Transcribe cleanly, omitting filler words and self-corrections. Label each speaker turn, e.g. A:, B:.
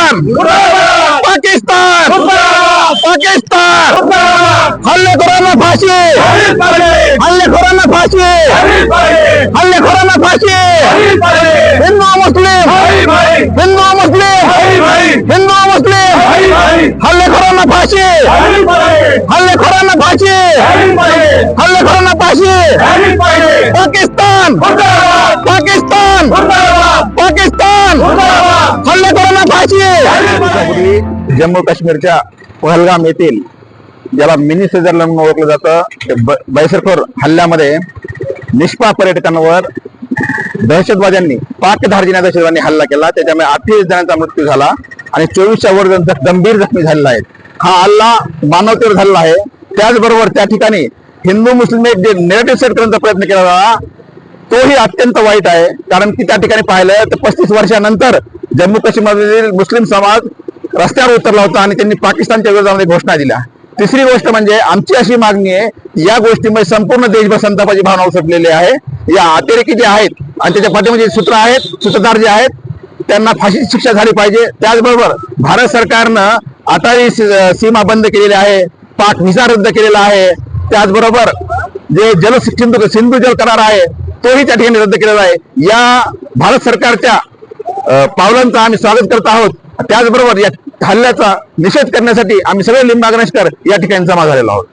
A: पाकिस्तान पाकिस्तान हल्लेखोरांना फाशी हल्लेखोरांना फाशी हल्लेखोरांना फाशी हिंदू मुस्लिम हिंदू मुस्लिम हिंदू मुस्लिम हल्लेखोरांना फाशी हल्लेखोरांना फाशी हल्लेखोरांना फाशी पाकिस्तान पाकिस्तान पाकिस्तान हल्लेखोरांना फाशी जम्मू काश्मीरच्या पहलगाम येथील ज्याला मिनी स्वित्झर्लंड म्हणून ओळखलं जातं बैसरखोर हल्ल्यामध्ये निष्पाप पर्यटकांवर दहशतवाद्यांनी पाकधार्जिण्या दहशतवाद्यांनी हल्ला केला। त्याच्यामुळे 28 जणांचा मृत्यू झाला आणि 24च्या वर जण गंभीर जखमी झालेला आहेत। हा हल्ला मानवतेवर झालेला आहे। त्याचबरोबर त्या ठिकाणी हिंदू मुस्लिम एक जे नेरेटिव्ह सेट करण्याचा प्रयत्न केला झाला तोही अत्यंत वाईट आहे। कारण की त्या ठिकाणी पाहिलं तर 35 वर्षानंतर जम्मू काश्मीरमधील मुस्लिम समाज रस्त्यावर उतरला होता आणि त्यांनी पाकिस्तानच्या विरोधामध्ये घोषणा दिल्या। तिसरी गोष्ट म्हणजे आमची अशी मागणी आहे, या गोष्टीमुळे संपूर्ण देशभर संतापाची भावना उसळलेली आहे। या अतिरेकी जे आहेत आणि त्याच्या पाठीमध्ये सूत्र आहेत सूत्रधार जे आहेत त्यांना फाशीची शिक्षा झाली पाहिजे। त्याचबरोबर भारत सरकारनं अटारी सीमा बंद केलेली आहे, पाक व्हिसा रद्द केलेला आहे। त्याचबरोबर जे सिंधू जल करार आहे तोही त्या ठिकाणी रद्द केलेला आहे। या भारत सरकारच्या पावलांचं आम्ही स्वागत करत आहोत। त्याचबरोबर या हल्ल्याचा निषेध करण्यासाठी आम्ही सगळे लिंबागणेशकर या ठिकाणी जमा झालेलो आहोत।